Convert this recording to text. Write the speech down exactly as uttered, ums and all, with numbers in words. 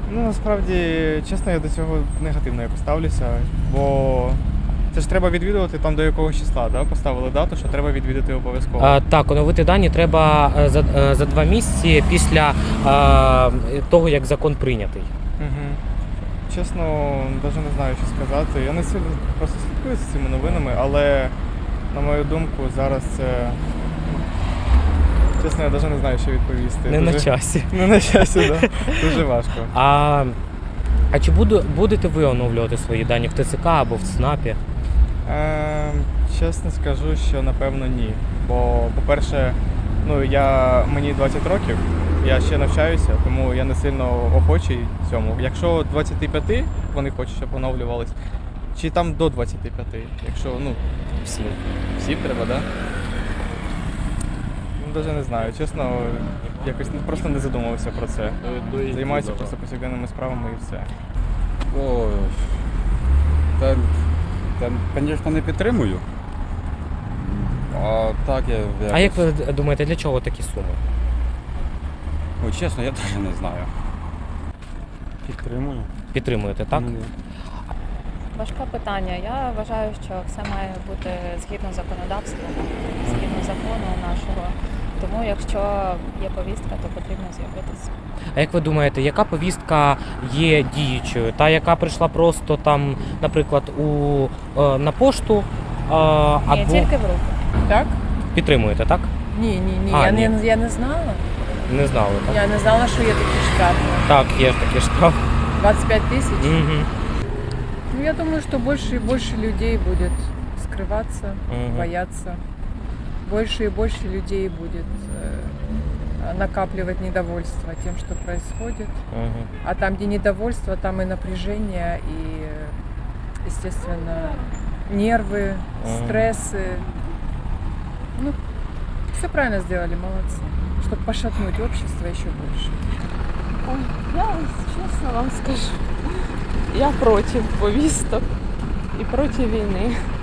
Ну, насправді, чесно, я до цього негативно якось ставлюся, бо це ж треба відвідувати там до якогось числа, да? Поставили дату, що треба відвідати обов'язково. А, так, оновити дані треба е, за, е, за два місяці після е, того, як закон прийнятий. Угу. Чесно, навіть не знаю, що сказати. Я не сильно просто слідкую за цими новинами, але, на мою думку, зараз це... Чесно, я навіть не знаю, що відповісти. Не Дуже... на часі. Не на часі, так. Да. Дуже важко. А, а чи буду, будете ви оновлювати свої дані в ТЦК або в ЦНАПі? Е, чесно скажу, що напевно ні. Бо, по-перше, ну, я, мені двадцять років, я ще навчаюся, тому я не сильно охочий цьому. Якщо двадцять п'ять вони хочуть, щоб оновлювались, чи там до двадцять п'ять, якщо, ну, Всім. всім треба, так? Да? Ну, навіть не знаю, чесно, якось просто не задумувався про це. Займаюся просто повсякденними справами і все. О, та, та, звісно, не підтримую. А так я якось... А як ви думаєте, для чого такі суми? Ой, чесно, я теж не знаю. Підтримую. Підтримуєте, так? Ну, Важке питання. Я вважаю, що все має бути згідно законодавства, згідно закону нашого. Тому якщо є повістка, то потрібно з'явитися. А як ви думаєте, яка повістка є діючою? Та, яка прийшла просто там, наприклад, у, е, на пошту, е, або Ні, тільки в руки. Так? підтримуєте, так? Ні, ні, ні. А, я, ні. Не, я не знала. Не знали, так? Я не знала, що є такі штрафи. Так, є ж такі штрафи. двадцать пять тысяч? Угу. Ну, я думаю, что больше и больше людей будет скрываться, Мгм. бояться. Больше и больше людей будет э, накапливать недовольство тем, что происходит. Угу. А там, где недовольство, там и напряжение, и, естественно, нервы, Мгм. стрессы. Ну, все правильно сделали, молодцы. Чтобы пошатнуть общество еще больше. Ой, я чесно вам скажу, я проти повісток і проти війни.